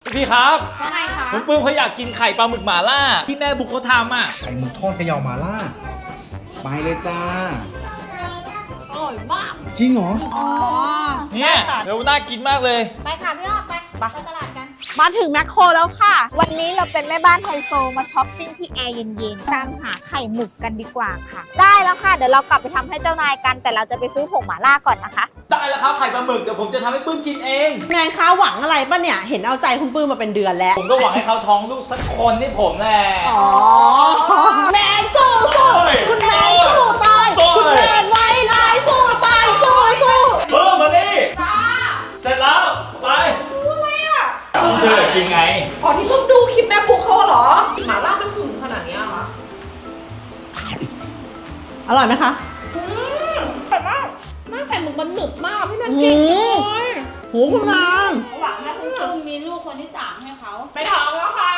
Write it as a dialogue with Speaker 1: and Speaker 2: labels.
Speaker 1: พี่ครับ
Speaker 2: ว่าไงคะ
Speaker 1: คุณปื้มเขาอยากกินไข่ปลาหมึกหม่าล่าที่แม่บุ๊กเขาทำอ่ะ
Speaker 3: ไข่หมึกทอดเขย่ามาล่าไปเลยจ้า
Speaker 2: อร่อยมาก
Speaker 3: จริงเหรอ
Speaker 2: อ๋อ
Speaker 1: เนี่ยเดี๋ยวน่ากินมากเลย
Speaker 2: ไปค่ะพี่อ้อมไปตลาดกัน
Speaker 4: มาถึงแมคโครแล้วค่ะ วันนี้เราเป็นแม่บ้านไฮโซมาช้อปปิ้งที่แอร์เย็นๆตามหาไข่หมึกกันดีกว่าค่ะ ได้แล้วค่ะ เดี๋ยวเรากลับไปทำให้เจ้านายกัน แต่เราจะไปซื้อผงหม่าล่าก่อนนะคะ
Speaker 1: ได้แล้วครับไข่ปลาหมึกเดี๋ยวผมจะทำให้ปื้มกินเอง
Speaker 5: นายคะหวังอะไรป่ะเนี่ย เห็นเอาใจคุณปื้มมาเป็นเดือนแล้ว
Speaker 1: ผมก็หวังให้เขาท้องลูกสักคนนี่ผมแหละ
Speaker 5: อ๋อ แมนสู้สู้คุณแมนสู้ตาย คุณแมนไว้ลายสู้ตายสู้สู้
Speaker 1: ปื้มมานี่เสร็จแล้วไปอะไรอ่ะเธอกินไง
Speaker 2: อ๋อที่เพิ่งดูคลิปแม่ปุ๊กเขาเหรอหมาล่ามันหึงขนาดนี้เหรอ
Speaker 5: อร่อยไหมคะ
Speaker 2: แต่ว่าแม่ไข่หมึกมันหนึบมากพี่แมนเก่งเลย
Speaker 5: โหคุณนาง
Speaker 2: หวังให้คุณปื้มมีลูกคนที่สามให้เขาไปท้องแล้วค่ะ